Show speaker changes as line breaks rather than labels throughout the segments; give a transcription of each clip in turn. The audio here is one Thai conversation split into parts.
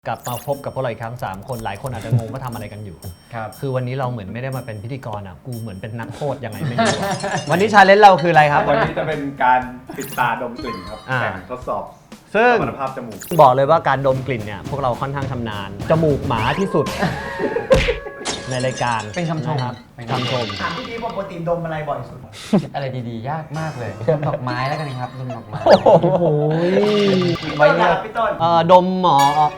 กลับมาพบกับพวกเราอีกครั้ง3คนหลายคนอาจจะงงว่าทำอะไรกันอยู่ครับคือวันนี้เราเหมือนไม่ได้มาเป็นพิธีกรอ่ะกูเหมือนเป็นนักโทษยังไงไม่รู้ วันนี้ชาเลนจ์เราคืออะไรครับ
วันนี้จะเป็นการปิดตาดมกลิ่นครับแข่งทดสอบ
ซึ่ง
คุณภาพจมูก
บอกเลยว่าการดมกลิ่นเนี่ยพวกเราค่อนข้างชำนาญจมูกหมาที่สุด ในรายการ
เป็นคำชม
ครับคำชม
ถามพี่ปกติดมอะไรบ่อยสุด
อะไรดีๆยากมากเลยดมดอกไม้แล้วกันครับดมดอกไม้
โอ้โห
ไว้เนี่ยพี่ต้น
ดมหมอ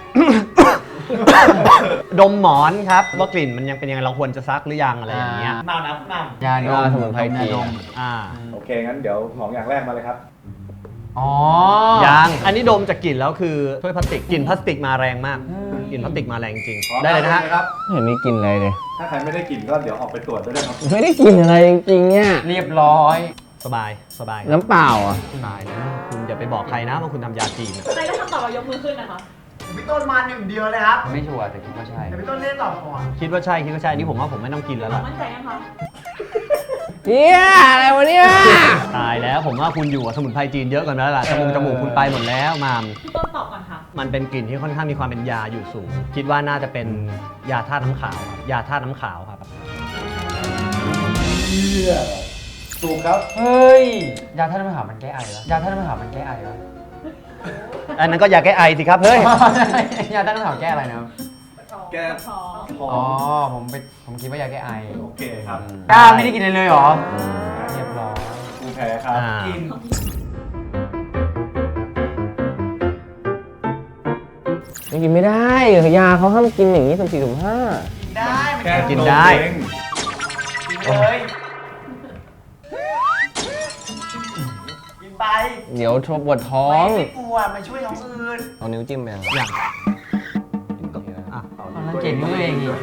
ดมหมอนครับว่ากลิ่นมันยังเป็นยังไงเราควรจะซักหรือยังอะไรอย่างเงี้ย
น้ำ
ยาดม
สมุนไพรจีน
โอเคงั้นเดี๋ยวของอย่างแรกมาเลยครับ
อ๋อ
ยังอันนี้ดมจากกลิ่นแล้วคือถ้วยพลาสติกกลิ่นพลาสติกมาแรงมากกลิ่นพลาสติกมาแรงจริงได้เลยนะฮะ
เห็นมีกลิ่นอะไรเลย
ถ้าใครไม่ได้กลิ่นก็เดี๋ยวออกไปตรวจด้วยนะครับ
ไม่ได้กลิ่นอะไรจริงๆเนี่ย
เรียบร้อย
สบาย
น้ำเปล่าอ่ะ
สบายนะคุณอย่าไปบอกใครนะว่าคุณทำยาจีน
ใครได้คำตอบเรายกมือขึ้นนะคะ
พี่ต้นมา1 เดียวเลยครับ
ไม่ชัวร์แต่คิดว่าใช่
แต่พี่ต้นเล่นตอบก่อน
คิดว่าใช่นี่ผมว่าผมไม่ต้องกินแล้วล่ะ
มั่นใจยังคะ
เนี่ยอะไรวะเนี่ย
ตายแล้วผมว่าคุณอยู่กับสมุนไพรจีนเยอะกันแล้วล่ะจมูกคุณไปหมดแล้วมาม
พี่ต้นตอบก่อนค่ะ
มันเป็นกลิ่นที่ค่อนข้างมีความเป็นยาอยู่สูงคิดว่าน่าจะเป็นยาธาตุน้ำขาวครับยาธาตุน้ำขาวครับ
ถูกครับ
เฮ้ยยาท่าตุน้ำขาวมันแก้ไอวะยาท่าตุน้ำขาวมันแก้ไอวะ
อันนั้นก็ยาแก้ไอสิครับเฮ้ย
ยาท่าตุน้ำขาวแก้อะไรนะ
แก้
ท้อง
อ๋อผมคิดว่ายาแก้ไอ
โอเคครับ
ไม่ได้กินเลยเหรอเรียบร้อย
กูแพ้ครับกิน
กินไม่ได้ยาเขาห้ามกินอย่างนี้สุ่ม4 สุ่ม 5
ได้
แค่
กินได้
กินเลยกินไป
เดี๋ยวปวดท้อง
ไม่กลัวมาช่วยท้องอื่น
เอานิ้วจิ้มไปอย่าง
แล้วเก่งด้วยเองอีก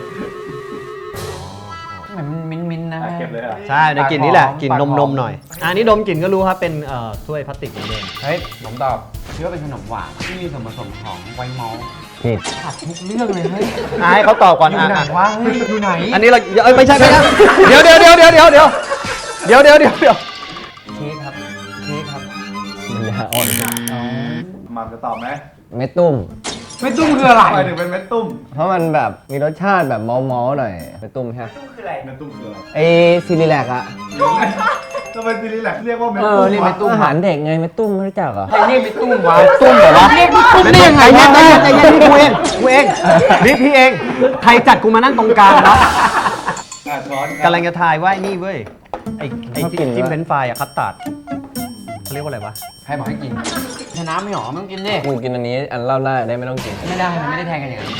เหมือนมิ้นนะ
เก็บเลยอ่ะ
ใช่ในกลิ่นนี้แหละกลิ่นนมหน่อยอันนี้ดมกลิ่นก็รู้ครับเป็นถ้วยพลาสติกเหมือนเดิม
เฮ้ยผมตอบคิดว่าเป็นขนมหวานที่มีส่วนผสมของไวท์มอลต์
ผิด
ผัดทุกเรื่องเลยเฮ้ย
ให้เขาตอบก่อน
อยู่ไหนวะเฮ้ยอยู่ไหน
อันนี้เราไม่ใช่เดี๋ยวเค้
กครับ
มันยาอ่อน
มันจะตอบไหม
เม็ดตุ้ม
คืออะไร
หมายถึงเป็นเม็ดตุ้ม
เพราะมันแบบมีรสชาติแบบเมาหน่อยเม็ดตุ้มใช่ไหม
ตุ้มคืออะไร
เม็ดตุ้มคืออะไร
ซิลิแลกอะ
ทำไมซีรีส์แหลกเรียกว่าเม็ดตุ้ม
นี่เม็ดตุ้มอาหารเด็กไงเม็ดตุ้มไม่รู้จักเหรอ
ใครเรียกเม็ดตุ้มวะ
ตุ้มเหรอวะ
เรียกเม็ดตุ้มได้ยังไง
ใจเย็นกูเองพี่เองใครจัดกูมานั่งตรงกลางนะกำลังจะทายว่านี่เว้ยไอ้จิ้มเฟรนช์ฟรายอะคัสตาร์ดเขาเรียกว่าอะไรวะ
ใครบอกให้กินชนะไม่หรอไม่ต้องกินดิ
มึงกินอันนี้อันเล่าได้ไม่ต้องกิน
ไม่ได้มันไม่ได้แทงกันอย่างนั้น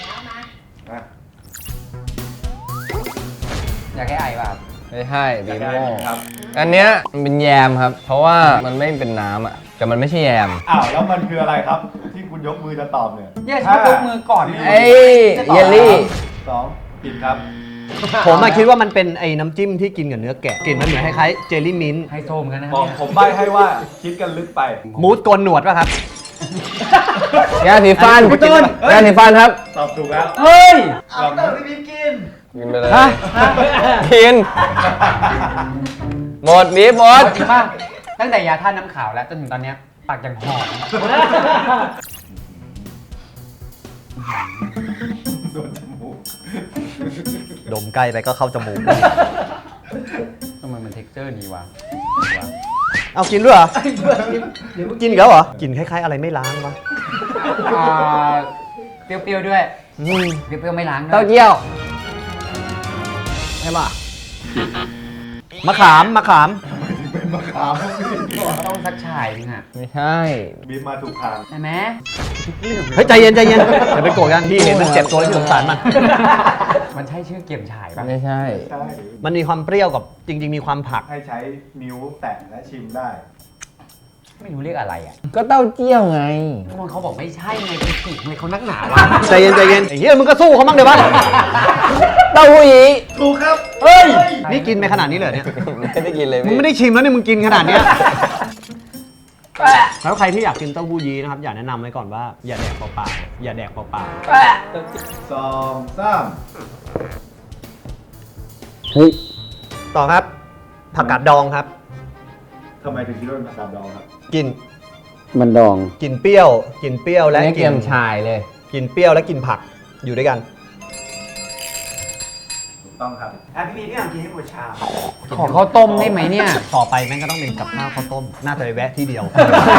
อยากแก้ไอป่ะ
ไม่ใช่บีโม่อันเนี้ยมันเป็นแยมครับเพราะว่ามันไม่เป็นน้ำอ่ะแต่มันไม่ใช่แยม
แล้วมันคืออะไรครับที่คุณยกมือจะตอบเนี่ย
ฉันยกมือก่อน
เยลลี่
2 ผิดครับ
ผมคิดว่ามันเป็นไอ้น้ำจิ้มที่กินกับเนื้อแกะกลิ่นมันเหมือนคล้ายๆเจลลี่มิ้นท์
ไฮโซเหมือนกันนะ
ผมใบ้ให้ว่าคิดกันลึกไป
มูสโกนหนวดป่ะครับ
ยาสีฟันยาสีฟันครับ
ตอบถูกแล้ว
เฮ้ย
เอาต้นพี่กิน
ไปเลยกินหมดบีบหมด
จริงป่ะตั้งแต่ยาท่าน้ำขาวแล้วจนถึงตอนนี้ปากยังหอม
โดนจมูก
ดมใกล้ไปก็เข้าจมูก
ทำไมมันเท็กเจอร์ดีวะ
เอากินด้วยเหรอกินอีกแล้วเหรอกินคล้ายๆอะไรไม่ล้างวะ
เปรี้ยวๆด้วยเปรี้ยวๆไม่ล้างด้วย
เต้าเจี้ยว
ใช่ป่ะมะขาม
เป็นมะขาม
ต้องสักฉายนึงอ่ะ
ไม่ใช่
บีบมาถูกทาง
ใช่ไหม
เฮ้ยใจเย็นอย่าไปโกรธกันพี่เห็นมันเจ็บตัวแล้วพี่สงสาร
มันใช่ชื่อเกี่ยมฉายป่ะ
ไม่ใช่
มันมีความเปรี้ยวกับจริงๆมีความผัก
ให้ใช้นิ้วแตะและชิมได้
ไม่รู้เรียกอะไรอ่ะ
ก็เต้าเจี้ยวไง
มันเขาบอกไม่ใช่ไงเป็นผิดไงเขานักหนาวะ
ใจเย็นไอ้เหี้ยมึงก็สู้เขาบ้างเดี๋ยวบ้าง
เต้าหู้ยี้
ถูกครับ
เฮ้ยนี่กินไปขนาดนี้เลยเนี่ย
ไม่ได้กินเลย
มึงไม่ได้ชิมแล้วเนี่ยมึงกินขนาดนี้แล้วใครที่อยากกินเต้าหู้ยี้นะครับอยากแนะนำไว้ก่อนว่าอย่าแดกเปล่าๆอย่าแดกเปล่า
ๆ2 3
เฮ้ย
ต่อครับผักกาดดองครับ
ทำไมถึงคิดว่าเป็นผักกาดดองครับ
กิน
มันดอง
กลิ่นเปรี้ยวและ
เกี๊ยมชายเลย
กินเปรี้ยวและกินผักอยู่ด้วยกัน
ถูกต้องครับ
พี่พีพี่อยากกินให้หมดชาม
ขอข้าวต้มได้ไหมเนี่ย
ต่อไปแม่งก็ต้องเป็นกับข้าวข้าวต้ม น่าจะไปแวะที่เดียว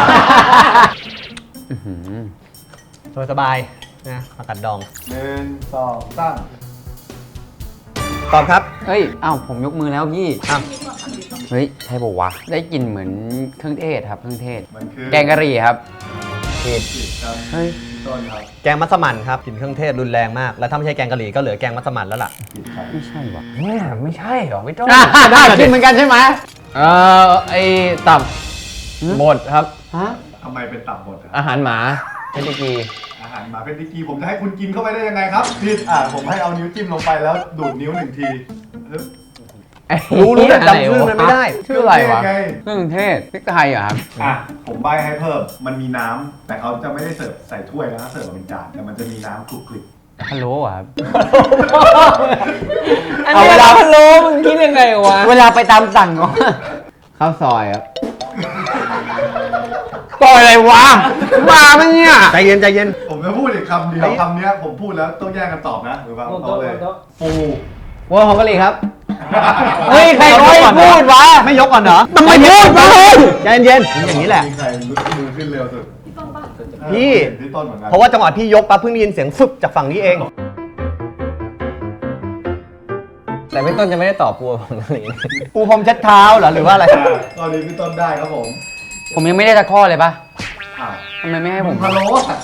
สบายๆนะผักกัดดอง
1 2 3
ตอบครับ
เฮ้ย อ้าวผมยกมือแล้วพี่
อ่ะ
มีก่อนค่ะมีก่อน
เฮ้ย ใช่ป่าวะ ได้กลิ่นเหมือนเครื่องเทศครับ เครื่องเทศ
มันคือ
แกงกะหรี่ครับ
ผิดครับ
เฮ้ย
พี่ต้นครับ
แกงมัสมั่นครับกลิ่นเครื่องเทศรุนแรงมาก แล้วถ้าไม่ใช่แกงกะหรี่ก็เหลือแกงมัสมั่นแล้วล่ะ
ผิดครับ
ไม่ใช่วะ
เนี่ยไม่ใช่หรอพี่ต้น
ได้กินเหมือนกันใช่ไหม
ไอตับบดครับ
ฮะ
ทำไมเป็นตับบดครับ
อาหารหมาเพชรกี
อาหารหมาเป็นดิกีผมจะให้คุณกินเข้าไปได้ยังไงครับผิดผมให้เอานิ้วจิ้มลงไปแล้วดูดนิ้ว1 ทีฮึบ
รู้แต่จำชื่อมันไม่ได้
ชื่ออะไรวะ
ไง
เครื่องเทศพริกไทยเหรอครับ
ผมใบให้เพิ่มมันมีน้ำแต่เขาจะไม่ได้เสิร์ฟใส่ถ้วยนะเสิร์ฟมาเป็นจานแต่มันจะมีน้ำคลุกคลิก
พะโล้เหรอครับ
เอาเวลาพะโล้มึงคิดยังไงวะ
เวลาไปตามสั่งก็ข้าวซอยครับซอยอะไรวะมาปะเนี่ย
ใจเย็นใจเย็น
ผมจะพูดอีกคำเดียวคำเนี้ยผมพูดแล้วต้องแย่งกันตอบนะหรือเปล่าเอาเลยปู
วัวของกะหรี่ครับ
เฮ้ย ใครเขาให้พูดวะ
ไม่ยกก่อนเหรอ
ทำไมพูดวะ
ใจเย็นๆอย่างนี้แหละ
มีใครลุกมือขึ้นเร็วสุด
พี่ต้องป่ะ
พี่
พี่ต้นเหมือนกัน
เพราะว่าจังหวะพี่ยกปั๊บเพิ่งได้ยินเสียงฟึบจากฝั่งนี้เอง
แต่พี่ต้นจะไม่ได้ตอบวัวของกะหรี่
ปูพรมเช็ดเท้าเหรอหรือว่าอะไร
ตอนนี้พี่ต้นได้ครับผม
ผมยังไม่ได้ตะข้อเลยปะ
อ่ะ
ทำไมไม่ให้ผม
พะโล้อะ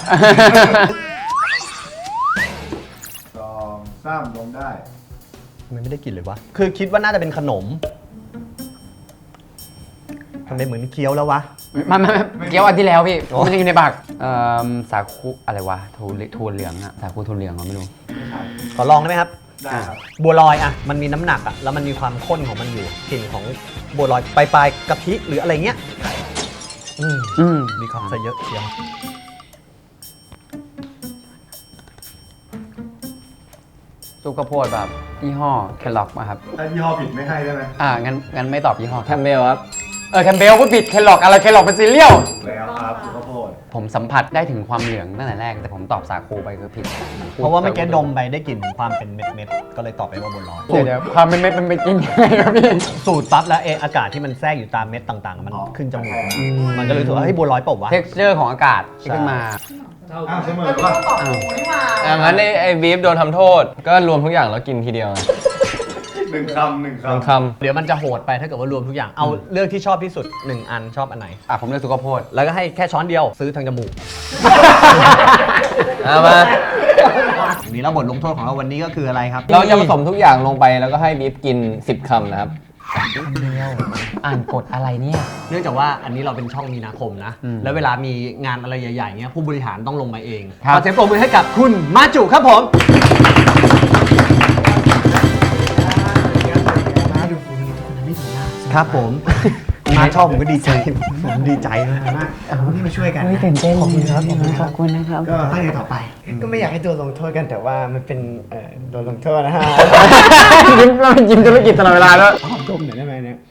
2 3ลงได้
มันไม่ได้กลิ่นเลยวะ คือคิดว่าน่าจะเป็นขนมทำไมเหมือนเคี้ยวแล้ววะ
ไม่เกี่ยวอันที่แล้วพี่มันยังอยู่ในปากสาคูอะไรวะถั่วเหลืองอะสาคูถั่วเหลืองเหรอไม่รู้
ขอลองได้ไหมครับ
ได้ครับ
บัวลอยอะมันมีน้ำหนักอะแล้วมันมีความข้นของมันอยู่ กลิ่นของบัวลอยปลายๆกะทิหรืออะไรเงี้ยมีความซะเยอะเชียว
ซุปข้าวโพดแบบยี่ห้อแคลล็อกมาครับ
ถ้ายี่ห้อผิดไม่ให้ได้ไหม
งั้นไม่ตอบยี่ห้อ
แคมเบลครับ
แคมเบลก็ผิดแคลล็อกอะไรแคลล็อกเป็นซีเรียล
แล้วครับสุขภาพ
ผมสัมผัสได้ถึงความเหลืองตั้งแต่แรกแต่ผมตอบสาคูไปคือผิด
เพราะว่าเมื่อกี้ดมไปได้กลิ่นความเป็นเม็ดๆก็เลยตอบไปว่าบัวลอย
เดี๋ยวความเป็นเม็ดมันเป็นจริงยังไงครับพี่
สูตรปั๊บแล้วอากาศที่มันแทรกอยู่ตามเม็ดต่างๆ มันขึ้นจมูกมันก็เลยรู้สึกว่าเฮ้ยบัวลอยเปล่าวะ
texture ของอากาศที่ขึ้นมา
เสมอป่ะ
ตอบปูนี่หว่า
อย่างนั้นไอ้บีฟโดนทำโทษ ก็รวมทุกอย่างแล้วกินทีเดียว
1 คำ 1
หนึ่ง
คำ
ค
เดี๋ยวมันจะโหดไปถ้าเกิดว่ารวมทุกอย่างเอาเลือกที่ชอบที่สุด1 อันชอบอันไหน
ผมเลือกซุปข้าวโพด
แล้วก็ให้แค่ช้อนเดียวซื้อทางจมูก
ำเอามา
วันนี้แล้วบทลงโทษของเราวันนี้ก็คืออะไรครับ
เราจะผสมทุกอย่างลงไปแล้วก็ให้บีฟกิน 10 คำนะครับ
อ่านกฎอะไรเนี่ย
เนื่องจากว่าอันนี้เราเป็นช่องมีนาคมนะ แล้วเวลามีงานอะไรใหญ่ๆเงี้ยผู้บริหารต้องลงมาเอง
ครับ
ขอเสียงปรบมือให้กับคุณมาจุครับผมครับผม มาชอบผมก็ดีใจผมดีใจมาก
นี่มาช่วยกัน
ตื่นเต้นขอบคุณครับขอบคุณนะครับ
ก็ตั้งใจต่อไป ก็ไม่อยากให้ตัวลงโทษกันแต่ว่ามันเป็นโดนลงโทษนะฮะ
ยิ้มเราเป็นยิ้มธุรกิจตลอดเวลาแล้ว
ขอดมหน่อยได้ไหมเนี่ย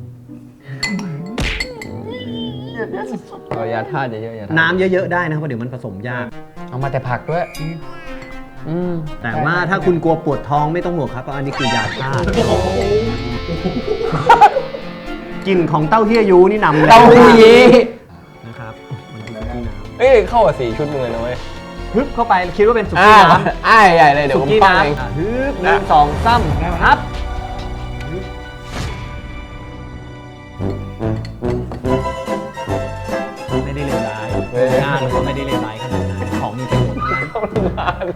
เอายาธาตุเยอะๆยาธาตุ
น้ำเยอะๆได้นะครับเพราะเดี๋ยวมันผสมยาก
เอามาแต่ผักด้วย
แต่ว่าถ้าคุณกลัวปวดท้องไม่ต้องห่วงครับเพราะอันนี้คือยาธาตุกลิ่นของเต้าเฮี้ยยูนี่นำเลย
เต้าหู้ยี้
นะครับมันคือที่น้
เอ้ยเข้ากับ4 ชุดมึงเลยนะเว้ย
ำฮึบเข้าไปคิดว่าเป็นสุกี้น้ำ
อ้ายใหญ่เลยเดี๋ยว
สุ
ผม
กี้
ปั้งเอง
น้ำฮึบ1 2 3ครับไม่ได้เลวร้ายหน้าเราก็ไม่ได้เลวร้ายขนาดนั้นของมีประโยชน์ทั้งนั้น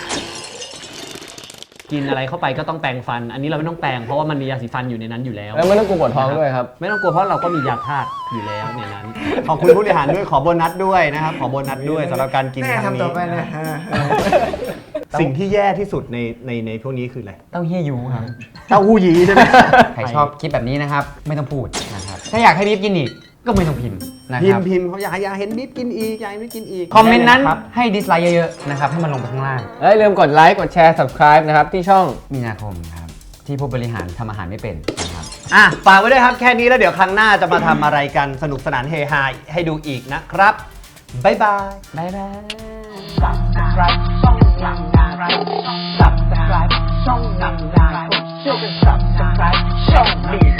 กินอะไรเข้าไปก็ต้องแปรงฟัน อันนี้เราไม่ต้องแปรงเพราะว่ามันมียาสีฟันอยู่ในนั้นอยู่แล้ว
แล้วไม่ต้องกลัวปวดท้องด้วยครับ
ไม่ต้องกลัวเพราะเราก็มียาธาตุอยู่แล้วในนั้น ขอบคุณผู้บริหารด้วยขอโบนัสด้วยนะครับ ขอโบนัสด้วยสำหรับการกิน
แม่
ครั้ง
ทำต่
นี้
อไปนะฮะ
สิ่งที่แย่ที่สุดในพวกนี้คืออะไร
เต้าเฮี้ยยูครับ
เต้าหู้ยี้ใช่ไหม
ใครชอบคลิปแบบนี้นะครับ ไม่ต้องพูดนะครับ ถ้าอยากให้บีบกินอีก ก็ไม่ต้องพิมพ์นะ
พิ
ค
ม
รับ
พ์พิมพ์เขาอยากเห็นบิ๊บกินอีกอยากให้บิ๊บกินอีก
คอมเมนต์นั้น
ได้ลยครับ
ให้ดิสไลค์เยอะๆนะครับ ให้มันลงไปข้างล่าง
แล้วอย่าลืมกดไลค์กดแชร์ subscribe นะครับที่ช่อง
มีนาคมครับ ที่ผู้บริหารทำอาหารไม่เป็นนะครับ
อ่ะฝากไว้ด้วยครับแค่นี้แล้วเดี๋ยวครั้งหน้าจะมาทำอะไรกันสนุกสนานเฮฮาให้ดูอีกนะครับบ๊ายบาย
บ๊ายบาย
subscribe ช่องนางนาคม subscribe ช่องนางนาคมช่วยกัน subscribe ช่องนี้